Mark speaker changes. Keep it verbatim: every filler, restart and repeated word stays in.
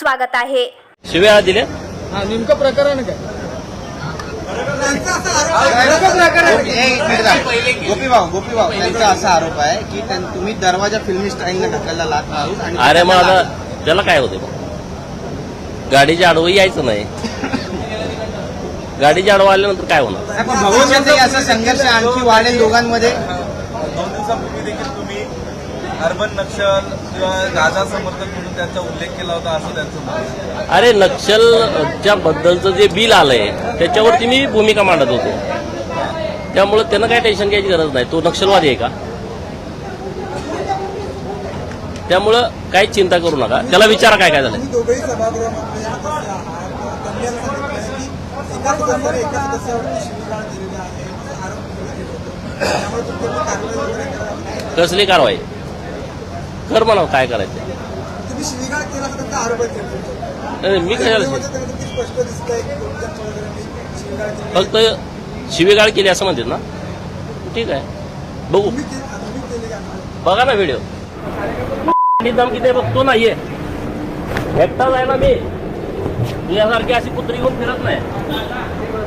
Speaker 1: स्वागत आहे।
Speaker 2: शिव्या दिल्या
Speaker 3: हा नेमकं प्रकरण काय?
Speaker 4: गोपी भाऊ गोपी भाऊ त्यांचा असा आरोप आहे की त्यां- तुम्ही दरवाजा फिल्मी स्टाईलने ढकलला लात मारून आणि
Speaker 2: अरे मग आता त्याला काय होते मग गाडीच्या आडवं यायचं नाही गाडीच्या आडवं आल्यानंतर काय होणार
Speaker 4: पण भविष्यातही असा संघर्ष आणखी वाढेल दोघांमध्ये।
Speaker 5: दोन दिवसापूर्वी देखील तुम्ही अर्बन नक्षल किंवा गाजा समर्थक म्हणून त्यांचा उल्लेख केला होता असं त्यांचं मत आहे।
Speaker 2: अरे नक्षलच्या बद्दलचं जे बिल आलंय त्याच्यावरती मी भूमिका मांडत होतो त्यामुळे त्यांना काय टेन्शन घ्यायची गरज नाही तो नक्षलवादी आहे का त्यामुळं काही चिंता करू नका त्याला विचारा काय काय झालं
Speaker 6: दोघेही सभागृहामध्ये सदस्य आहात त्यांनी असं सांगितलं की एकाच सदस्याने एका सदस्यावरती शिवीगाळ दिलेली आहे असा आरोप केला गेला होता त्यामुळे तुमच्याकडे कारवाई वगैरे करावी
Speaker 2: कसली कारवाई कर म्हणावं काय करायचं
Speaker 6: तुम्ही शिवीगाळ केला असा त्यांचा आरोप आहे तुमच्यावर।
Speaker 2: नाही, मी कशाला
Speaker 6: त्यामध्ये त्यांना किती स्पष्ट दिसतंय की कोणत्या वगैरे शिवीगाळ केली
Speaker 2: फक्त शिवीगाळ केली असं म्हणतात ना ठीक आहे बघू
Speaker 6: तुम्ही के- तुम्ही केली का नाही?
Speaker 2: बघा ना व्हिडिओ धमकी दे बघतो नाहीये एकटाच आहे ना मी तुझ्यासारखी अशी कुत्री घेऊन फिरत नाही